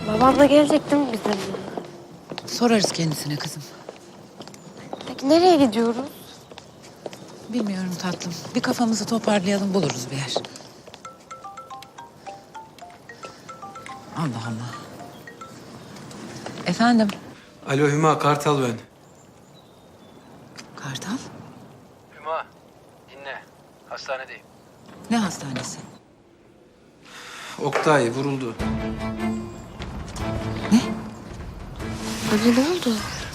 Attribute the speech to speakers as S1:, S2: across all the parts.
S1: Babam da gelecek değil mi bizimle?
S2: Sorarız kendisine kızım.
S1: Peki nereye gidiyoruz?
S2: Bilmiyorum tatlım. Bir kafamızı toparlayalım, buluruz bir yer. Allah Allah. Efendim?
S3: Alo Hüma, Kartal ben.
S2: Kartal?
S3: Hüma, dinle. Hastanedeyim.
S2: Ne hastanesi?
S3: Oktay vuruldu.
S2: Ne?
S1: Anne ne oldu?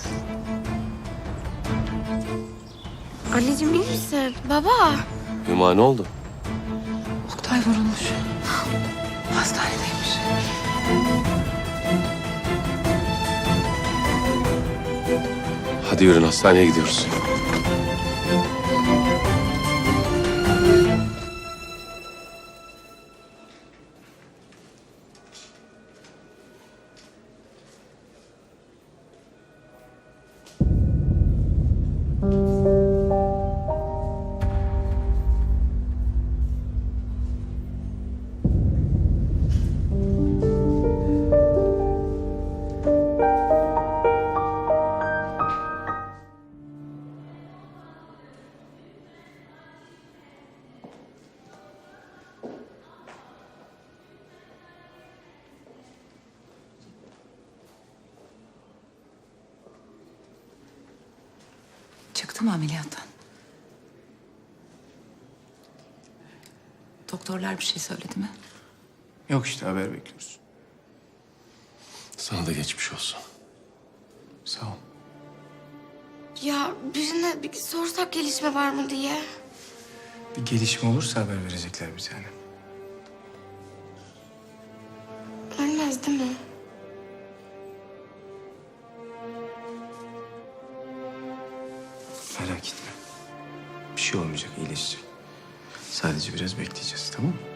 S1: Anneciğim iyi misin? Baba.
S4: Hüma ne oldu?
S2: Oktay vurulmuş. Hastanedeymiş.
S4: Hadi yürün hastaneye gidiyoruz.
S2: Çıktı mı ameliyattan? Doktorlar bir şey söyledi mi?
S5: Yok işte haber bekliyoruz.
S4: Sana da geçmiş olsun.
S5: Sağ ol.
S1: Ya birine bir sorsak gelişme var mı diye.
S5: Bir gelişme olursa haber verecekler bir tane.
S1: Ölmez değil mi?
S5: Merak etme. Bir şey olmayacak, iyileşecek. Sadece biraz bekleyeceğiz, tamam mı?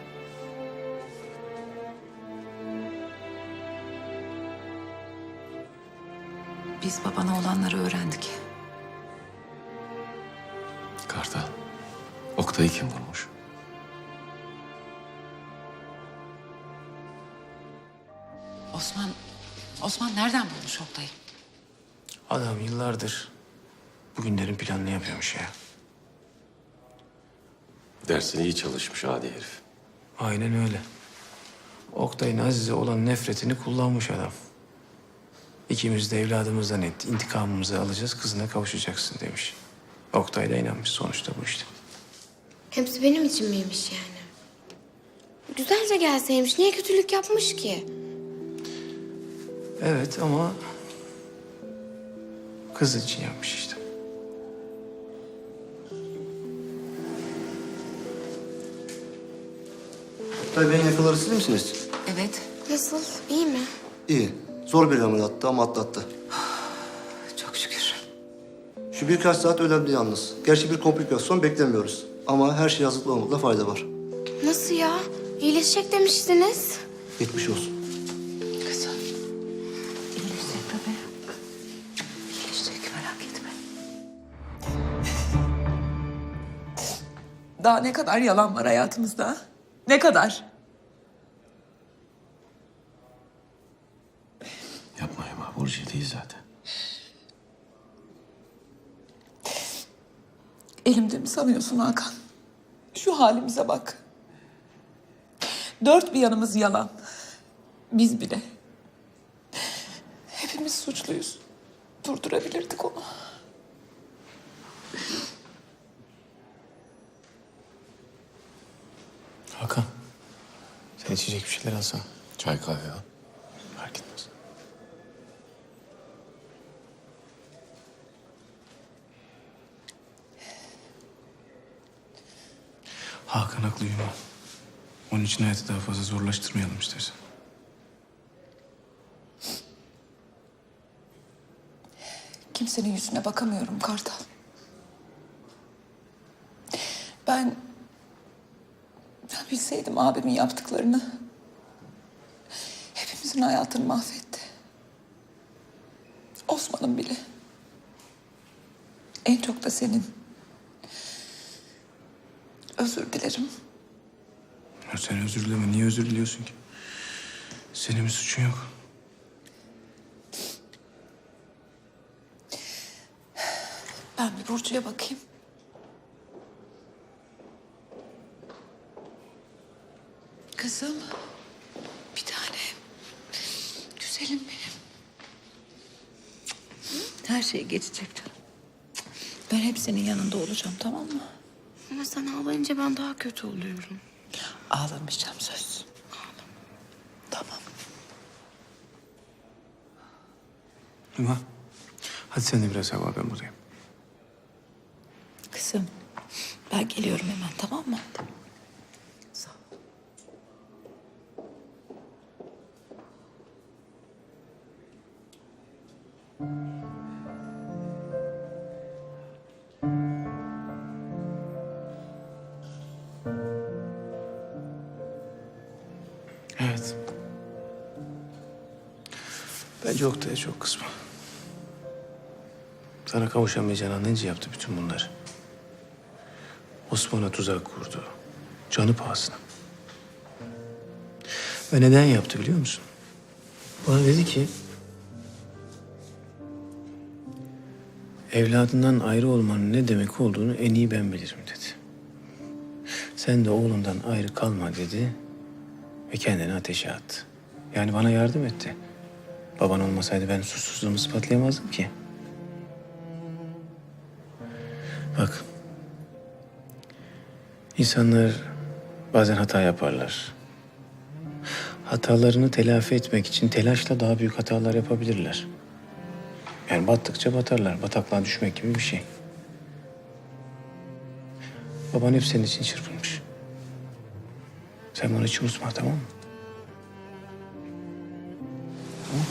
S2: Biz babana olanları öğrendik.
S4: Kartal, Oktay'ı kim vurmuş?
S2: Osman nereden bulmuş Oktay'ı?
S5: Adam yıllardır bugünlerin planını yapıyormuş ya.
S4: Dersine iyi çalışmış adi herif.
S5: Aynen öyle. Oktay'ın Aziz'e olan nefretini kullanmış adam. İkimiz de evladımızdan etti. İntikamımızı alacağız, kızına kavuşacaksın demiş. Oktay da inanmış sonuçta bu işte.
S1: Hepsi benim için miymiş yani? Güzelce gelseymiş. Niye kötülük yapmış ki?
S5: Evet ama kız için yapmış işte.
S6: Oktay Bey'in yakaları siz misiniz?
S2: Evet.
S1: Nasıl? İyi mi?
S6: İyi. Zor bir ameliyattı ama atlattı.
S2: Çok şükür.
S6: Şu birkaç saat önemli yalnız. Gerçi bir komplikasyon beklemiyoruz. Ama her şey hazırlıklı olmakta fayda var.
S1: Nasıl ya? İyileşecek demiştiniz.
S6: Geçmiş olsun.
S2: Kızım. İyileşecek tabii. İyileşecek merak etme.
S7: Daha ne kadar yalan var hayatımızda? Ne kadar?
S4: Yapma Hüma, Burcu değil zaten.
S7: Elimde mi sanıyorsun Hakan? Şu halimize bak. Dört bir yanımız yalan. Biz bile. Hepimiz suçluyuz. Durdurabilirdik onu.
S5: Hakan, sen içecek bir şeyler alsana.
S4: Çay kahve al.
S5: Fark etmez. Hakan haklı Yuma. Onun için hayatı daha fazla zorlaştırmayalım istersen.
S7: Kimsenin yüzüne bakamıyorum Kartal. Ben bilseydim abimin yaptıklarını, hepimizin hayatını mahvetti. Osman'ın bile. En çok da senin. Özür dilerim.
S5: Ya sen özür dileme. Niye özür diliyorsun ki? Senin bir suçun yok.
S7: Ben bir Burcu'ya bakayım. Kızım. Bir tanem. Güzelim benim. Her şey geçecek canım. Ben hep senin yanında olacağım, tamam mı?
S1: Ama sen ağlayınca ben daha kötü oluyorum.
S7: Ağlamayacağım, söz. Tamam.
S5: Hüma, hadi sen de biraz hava, ben buradayım.
S7: Kızım, ben geliyorum hemen, tamam mı? Sağ ol.
S5: Evet. Bence Oktay'a çok kızma. Sana kavuşamayacağını anlayınca yaptı bütün bunları. Osman'a tuzak kurdu. Canı pahasına. Ve neden yaptı biliyor musun? Bana dedi ki... evladından ayrı olmanın ne demek olduğunu en iyi ben bilirim dedi. Sen de oğlundan ayrı kalma dedi ve kendini ateşe attı. Yani bana yardım etti. Baban olmasaydı ben susuzluğumu ispatlayamazdım ki. Bak. İnsanlar bazen hata yaparlar. Hatalarını telafi etmek için telaşla daha büyük hatalar yapabilirler. Yani battıkça batarlar. Bataklığa düşmek gibi bir şey. Baban hep senin için çırpınmış. Sen bunu hiç unutma, tamam mı? Tamam.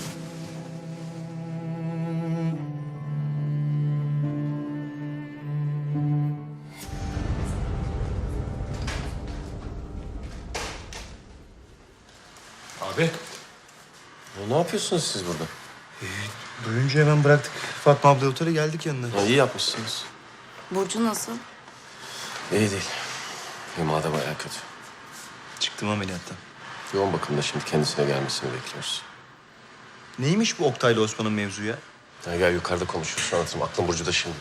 S4: Abi. Ne yapıyorsunuz siz burada?
S6: Duyunca hemen bıraktık Fatma abla otele geldik yanına.
S4: Ya iyi yapmışsınız.
S1: Burcu nasıl?
S4: İyi değil. Hüma da bayağı kötü.
S6: Çıktım ameliyattan.
S4: Yoğun bakımda şimdi kendisine gelmesini bekliyoruz.
S6: Neymiş bu Oktay'la Osman'ın mevzu ya?
S4: Ya gel yukarıda konuşuruz, anlatırım. Aklım Burcu'da şimdi.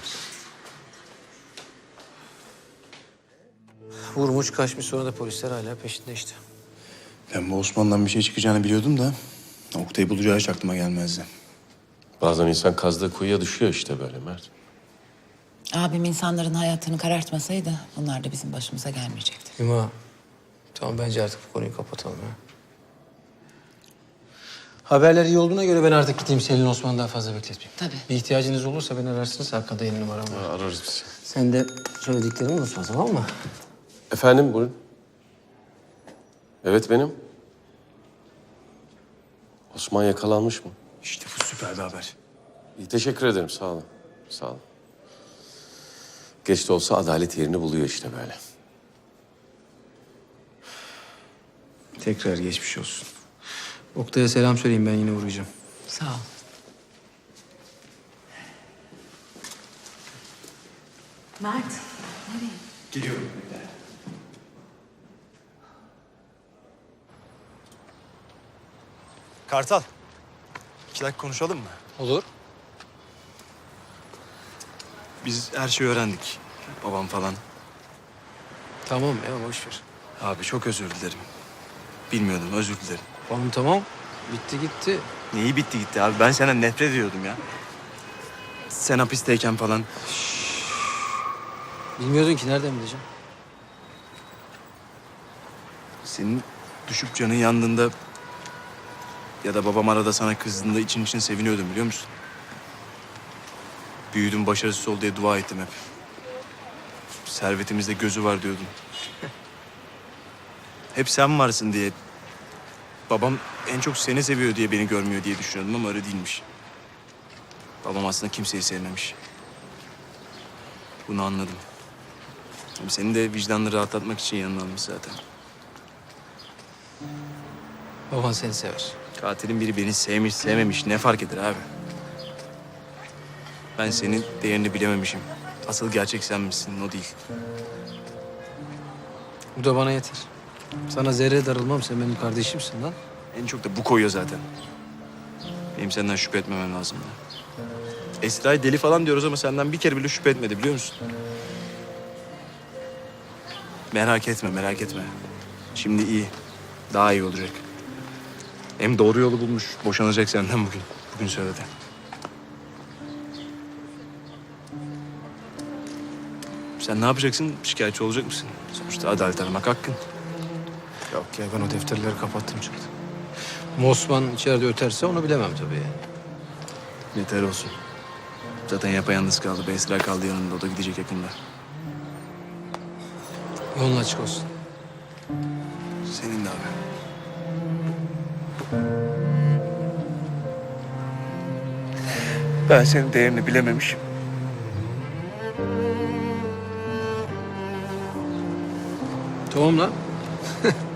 S5: Vurmuş kaçmış, sonra da polisler hala peşinde işte.
S8: Ben bu Osman'dan bir şey çıkacağını biliyordum da Oktay'ı bulacağı hiç aklıma gelmezdi.
S4: Bazen insan kazdığı kuyuya düşüyor işte böyle Mert.
S2: Abim insanların hayatını karartmasaydı bunlar da bizim başımıza gelmeyecekti.
S5: Hüma, tamam bence artık bu konuyu kapatalım ha. Haberler iyi olduğuna göre ben artık gideyim, Selin Osman'ı daha fazla bekletmeyeyim.
S2: Tabii.
S5: Bir ihtiyacınız olursa beni ararsınız, arkada yeni numaram var.
S4: Ararız biz.
S5: Sen de söylediklerimi unutma, tamam mı?
S4: Efendim buyurun. Evet benim. Osman yakalanmış mı?
S8: İşte bu süper bir haber.
S4: İyi, teşekkür ederim, sağ olun. Sağ olun. Geç de olsa adalet yerini buluyor işte böyle.
S5: Tekrar geçmiş olsun. Oktay'a selam söyleyeyim, ben yine uğrayacağım.
S2: Sağ ol. Mert, nereye?
S8: Geliyorum.
S6: Kartal. 2 dakika konuşalım mı?
S5: Olur.
S8: Biz her şeyi öğrendik. Babam falan.
S5: Tamam ya, boş ver.
S8: Abi çok özür dilerim. Bilmiyordum, özür dilerim.
S5: Oğlum tamam, bitti gitti.
S8: Neyi bitti gitti abi? Ben senden nefret ediyordum ya. Sen hapisteyken falan.
S5: Bilmiyordun ki, nereden bileceğim?
S8: Senin düşüp canın yandığında ya da babam arada sana kızdığında için seviniyordum biliyor musun? Büyüdüm, başarısız ol diye dua ettim hep. Servetimizde gözü var diyordum. Hep sen varsın diye. Babam en çok seni seviyor diye beni görmüyor diye düşünüyordum ama öyle değilmiş. Babam aslında kimseyi sevmemiş. Bunu anladım. Ama senin de vicdanını rahatlatmak için yanına almış zaten.
S5: Baban seni sever.
S8: Katilin biri beni sevmiş, sevmemiş ne fark eder abi? Ben senin değerini bilememişim. Asıl gerçek sen misin, o değil.
S5: Bu da bana yeter. Sana zerre darılmam, sen benim kardeşimsin lan.
S8: En çok da bu koyuyor zaten. Benim senden şüphe etmemem lazım. Esra'yı deli falan diyoruz ama senden bir kere bile şüphe etmedi biliyor musun? Merak etme, merak etme. Şimdi iyi. Daha iyi olacak. Hem doğru yolu bulmuş. Boşanacak senden bugün. Bugün söyledi. Sen ne yapacaksın? Şikayetçi olacak mısın? Sonuçta adalet aramak hakkın.
S5: Yok ya ben o defterleri kapattım çıktım.
S3: Osman içeride öterse onu bilemem tabii yani.
S8: Yeter olsun. Zaten yapayalnız kaldı. Esra kaldı yanında. O da gidecek yakında.
S3: Yolun açık olsun.
S8: Senin de abi. Ben senin değerini bilememişim.
S3: Tamam lan.